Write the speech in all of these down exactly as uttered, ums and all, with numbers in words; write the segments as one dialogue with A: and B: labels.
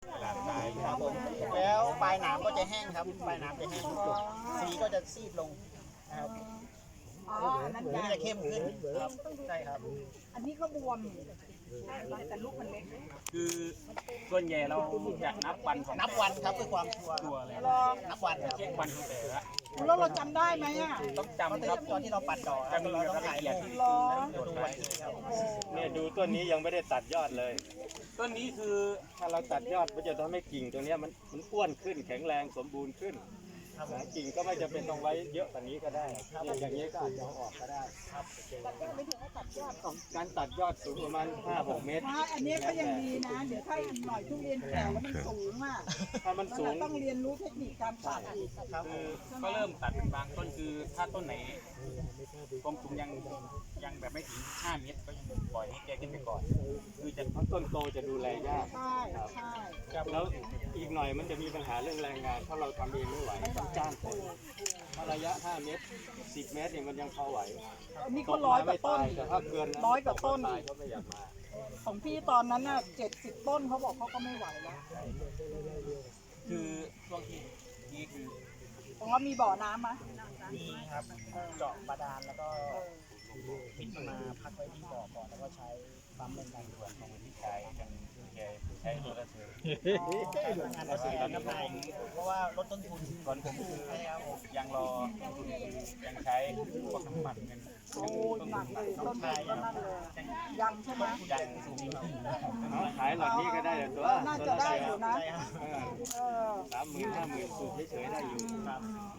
A: ดาษทราย
B: ครับผมแล้วปลายหนามก็จะแห้งครับปลายหนามจะแห้งสีก็จะซีดลงนะครับ
C: อ๋ออันนั้น
B: หรือจะเข้มขึ้นครับใช่ครับ
C: อันนี้ก็บวมแต่ลูกมันเล็ก
A: คือส่วนใหญ่เราจะนับวันของ
B: นับวันครับเพื่อความชัวร์
A: ตัวเลย
C: รอ
B: นับวันครับ
A: เช็ควันของแต่ละ
C: แล้วเราจำได้ไหมอ่ะ
A: ต้อง
B: ตอน
A: จำ
B: ที่
A: ครับ
B: ตอนที่เราปัดดอก
A: จะมี
B: เราต้อง
A: ราย
B: ถ่าย
A: ละเอียด
B: รูป
A: ที่
C: รอ
A: จด
B: ดู
A: ไว้
B: วันที่ครับ
D: เนี่ยดูต้นนี้ยังไม่ได้ตัดยอดเลย
A: ต้นนี้คือ
D: ถ้าเราตัดยอดมันจะทำให้กิ่งตัวเนี้ยมันมันอ้วนขึ้นแข็งแรงสมบูรณ์ขึ้นกิ่งก็ไม่จำเป็นต้องไว้เยอะกว่านี้ก็ได้เนี่ยอย่างนี้ก็อาจจะเอาออกก็ได้การตัดยอดสูงประมาณ ห้าหก เมตร
C: ถ้าอันนี้ก็ยังดีนะ เดี๋ยวถ้าหน่อยทุเรียนแก่แล้วมันสูงอ่ะ
D: ถ้ามันสู
C: เรา
D: ง
C: ต้องเรียนรู้เทคนิคการตัดอีก
A: คือก็เริ่มตัดเป็นบางต้นคือถ้าต้นไหนความสูงยังยังแบบไม่ถึงห้าเมตรก็ยังปล่อยให้แกขึ้นไปก่อน คือจะ
D: เพราะต้นโตจะดูแลยาก
C: ใช่ใช่
D: แล้วอีกหน่อยมันจะมีปัญหาเรื่องแรงงานถ้าเราทำเองไม่ไหวต้องจ้างคนถ้าระยะ ห้า เมตร สิบ เมตรเนี่ยมันยังพอไหว
C: อันนี้ก็ร้อยกว่าต้น
D: แต่ถ้าเกิน
C: ร้อยกว่าต้น
D: ตายก็ไม่อยากมา
C: ของพี่ตอนนั้นน่ะเจ็ดสิบต้นเขาบอกเขาก็ไม่ไหวแล้ว
A: คือช่วงที่นี่คือ
C: ตรงนั้นมีบ่อน้ำไหม
B: มีครับเจาะบาดาลแล้วก็ปิดมาพักไว้ที่บ่อก่อนแล้วก็ใช้ปั๊มเป็นการด่วนของ
A: ที่ใช้กันแกใช้ตัวละเสือ
B: ใช้พลังงานเกษตรน้ำมันเพราะว่าลดต้นทุน
A: ก่อนผมคือ
B: ใช่ครับผม
A: ยังรอยังใช้พวกน้ำมันกัน
C: โอ้ยหนักเลยต้นทุนก็นั่นเลยยังใช่ไหม
A: ยังสูง
D: เอาขายหลอดนี้ก็ได้แต่ตัว
C: น่าจะได้อยู่นะ
B: ใช่ครับ
C: เออ
D: สามหมื่นห้าหมื่นสูบเฉยๆได้อยู่
B: ครับ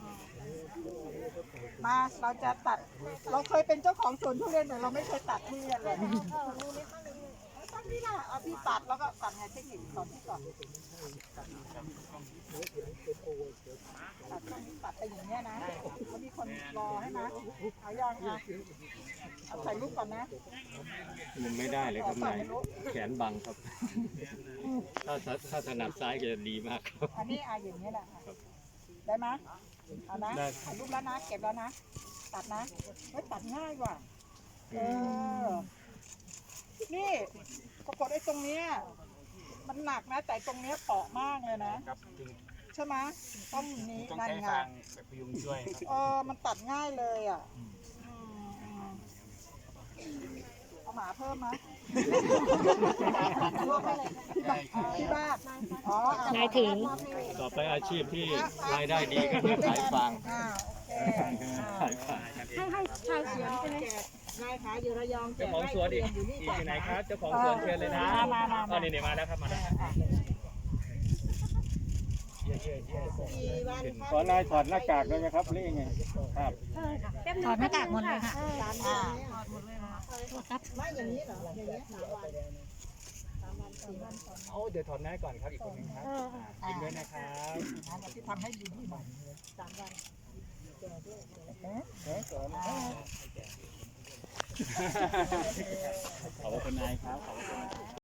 C: มาเราจะตัด เราเคยเป็นเจ้าของสวนทุเรียนแต่เราไม่เคยตัดทุเรียนเลยตั้งนี่นะเอาพี่ตัดแล้วก็ตัดไงเทคนิคสอนพี่ก่อนตัดช่วงนี้ตัดไปอย่างเงี้ยนะแล้วมีคนรอให้นะเอายังอ่ะเอาใส่ลูกก่อนนะ
D: มันไม่ได้เลยครับนายแขนบังครับ ถ้าถ้าถนัดซ้ายก็จะดีมากครับ
C: อันนี้เอาอย่างเงี้ยแหละค่ะได้ไหมเอานะถ่ายรูปแล้วนะ เก็บแล้วนะ ตัดนะเฮ้ยตัดง่ายกว่าเออ นี่ปรากฏไอ้ตรงเนี้ยมันหนักนะ แต่ตรงเนี้ยเปราะมากเลยนะ
A: ครับ
C: ใช่ไหมต้นนี้
A: ต้อง
C: นั่น
A: ใช้
C: ไง
A: ฟางแบบพยุงช่วยครับ
C: เออมันตัดง่ายเลยอ่ะอืมอืมเอาหมาเพิ่มไหมที่บ้านอ๋อ
E: นายถึง
D: ต่อไปอาชีพที่รายได้ดีก็คือขายฟาง
C: อ่าโอเค
D: ขายฟาง
E: ให้ให้ชาวสวนใช่ไหม
C: นายขายอยู่ระยอง
D: เจ้าของสวนอีกอีกอยู่ไหนครับ เจ้าของสวนเชิญเลยนะ
C: มามามา
D: อ๋อนี่ๆมาแล้วครับมาแล้ว ขอนายถอดหน้ากากได้ไหมครับหรือยังไงครับ
E: ถอดหน้ากากหมดเลยค่ะ
C: อ่า
E: ครับ
C: ไม่อย่างนี้เหรออย่างนี้สามวัน
D: เอาเดี๋ยวถอดหน้าก่อนครับอีกคนนึงครับกินด้วยนะครับ
C: ที่ทำให้ดีที่หน่อยสามวัน
D: ขอบคุณนายครับขอบคุณ